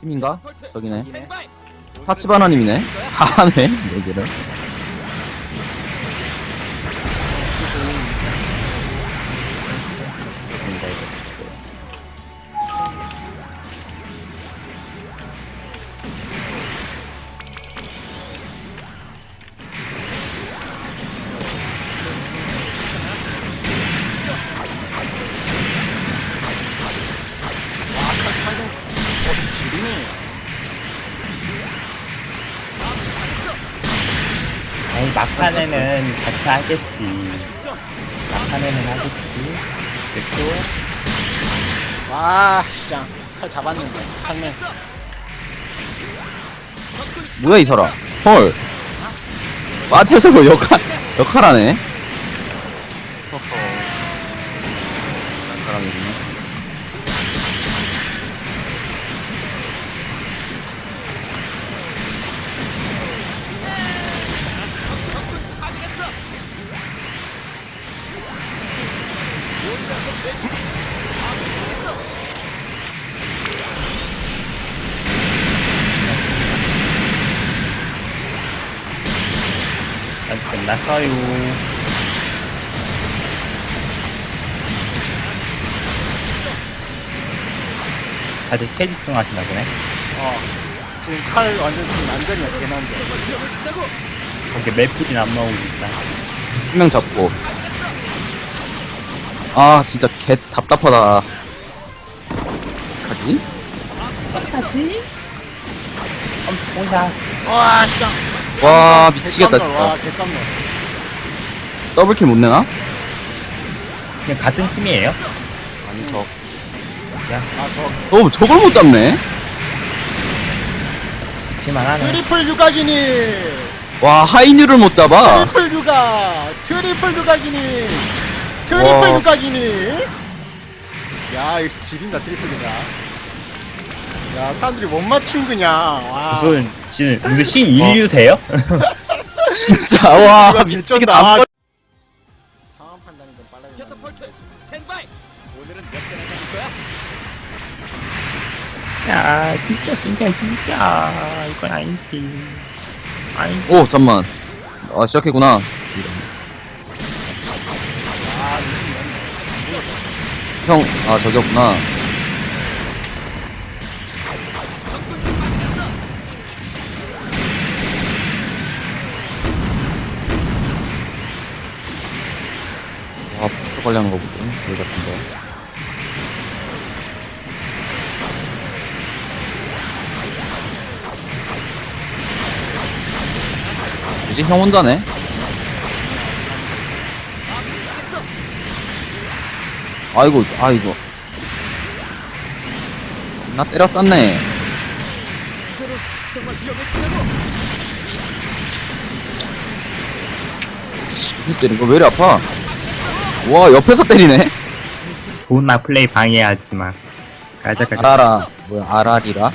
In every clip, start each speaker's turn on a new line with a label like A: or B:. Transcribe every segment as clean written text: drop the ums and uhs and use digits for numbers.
A: 팀인가? 저기네. 타치바나님이네. 하네. 4개를.
B: 아니 막판에는 같이 하겠지. 막판에는 하겠지. 됐고.
C: 와, 쌍. 칼 잡았는데. 칼맨.
A: 뭐야 이 사람. 헐. 빠체서로 역할하네. 허허. 그런 사람이 있네.
B: 끝났어요. 다들 캐 집중하시나 보네.
C: 지금 칼 완전 지금 완전히 개난데.
B: 거기 맵필이 안 나오고 있다.
A: 한 명 잡고. 아 진짜 개 답답하다. 어떡하지?
B: 어떡하지? 오샷.
C: 와, 쌍.
A: 와 미치겠다
C: 와,
A: 진짜.
C: 개깜놀.
A: 더블킬 못 내나?
B: 그냥 같은 팀이에요?
A: 아니 저.
C: 아,
A: 저걸 못 잡네.
B: 그치만 하네.
C: 트리플 유각이니.
A: 와 하이뉴를 못 잡아.
C: 트리플 유각. 트리플 유각이니. 트리플
A: 와.
C: 유각이니. 야, 이거 지린다, 트리플 유각. 야, 사람들이 못 맞춘 그냥. 와.
B: 무슨 신 인류세요?
A: 진짜 와 미치겠다. 안 걸-
C: 상황 판단이 좀 빨라야 돼.
D: 오늘은 몇 개나 잡을 거야?
B: 야, 진짜. 이건 아니지. 아니,
A: 오 잠만. 아 시작했구나. 형, 아 저기였구나. 와, 포토 관리하는 거 보고 여기 같은데. 뭐지? 형 혼자네? 아이고. 나 때렸었네.
D: 이대로 정말 위험해진다고.
A: 이 때린 거 왜 이리 아파? 와, 옆에서 때리네?
B: 좋은 나 플레이 방해하지마. 가자.
A: 아라라. 뭐야, 아라리라?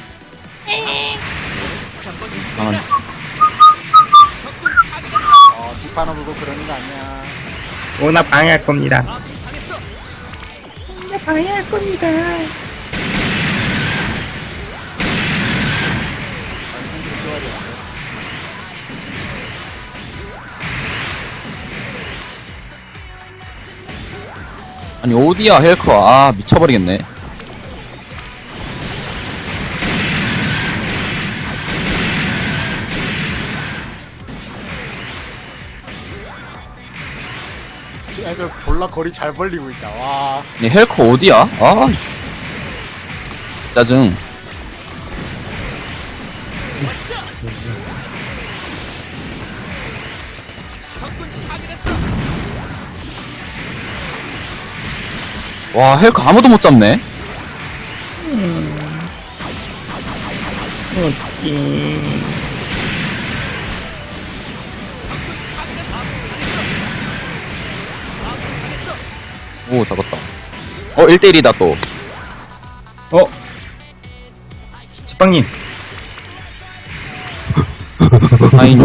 A: 이상한.
C: 뒷바람 불고 그러는 거 아니야.
B: 오나 방해할 겁니다.
A: 아니, 어디야, 헬커. 아, 미쳐버리겠네.
C: 애들 졸라 거리 잘 벌리고 있다. 와.
A: 아니, 헬커 어디야? 아, 씨. 짜증. 와, 헬커 아무도 못 잡네?
B: 어떡해.
A: 오, 잡았다. 1대1이다, 또.
B: 제빵님.
A: 아인.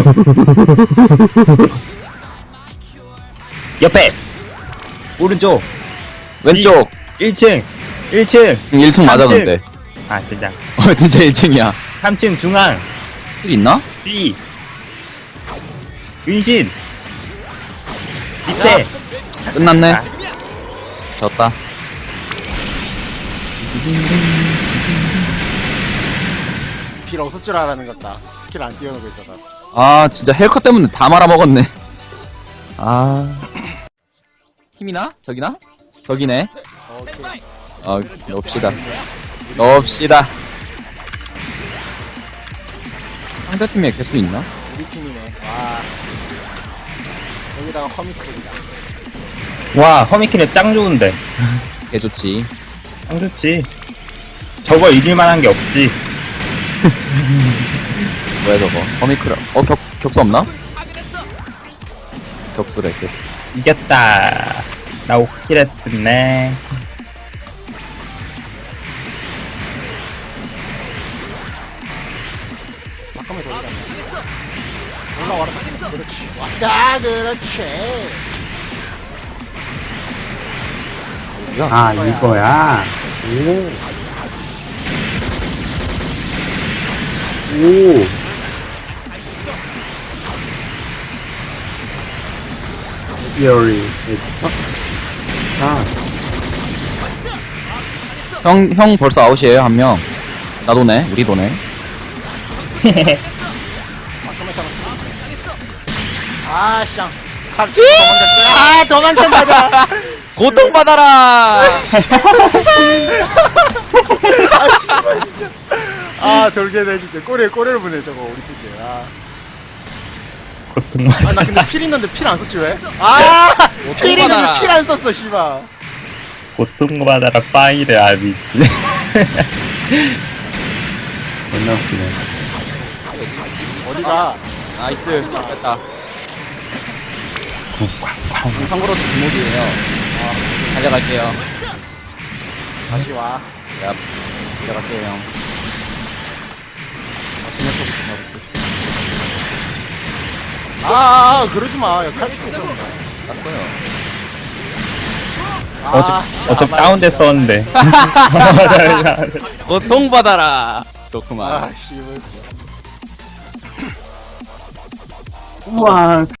B: 옆에. 오른쪽.
A: 왼쪽.
B: 1층. 1층.
A: 1층 맞아, 근데.
B: 아, 진짜.
A: 진짜 1층이야.
B: 3층 중앙
A: 힐 있나?
B: 뒤 은신 밑에
A: 끝났네. 졌다.
C: 필 없을 줄 알았는 것다. 스킬 안 띄워놓고 있어서.
A: 아, 진짜 헬커 때문에 다 말아먹었네. 아. 팀이나? 저기나? 저기네.
C: 오케이.
A: 넣읍시다. 넣읍시다. 상대팀에 개수 있나?
C: 우리 팀이네. 와. 여기다가 허미클이다.
B: 와 허미키는 짱 좋은데
A: 개 좋지.
B: 짱 좋지 저거 이길만한 게 없지
A: 뭐야 저거? 허미크라. 격수 없나? 격수래, 격수.
B: 이겼다 나 5킬 했었네
C: 잠깐만 더 올라가. 올라와라. 그렇지. 왔다. 그렇지.
A: 야,
E: 이거야. 오. 오. 열이.
A: 형 벌써 아웃이에요, 한 명. 나 도네, 우리 도네.
C: 잠깐만 잡았어. 아, 쌍. 칼 도망갔어. 도망간다.
A: 고통받아라!
C: 돌게네 진짜. 꼬리를 보내 저거 우리 팀들.
B: 고통
C: 나 근데 필 있는데 필 안 썼지 왜? 필 있는데 필 안 썼어, 씨발.
B: 고통받아라 파이를 아비지
E: 존나 웃기네.
C: 어디가?
A: 나이스, 됐다. 참고로 뒷목이에요. 달려갈게요.
C: 다시 와.
A: 야, 달려갈게요, 형.
C: 그러지 마. 야, 칼춤 있잖아.
A: 땄어요.
B: 어차피 다운됐었는데
A: 고통받아라! 좋구만.
C: 씨발.
E: 우와.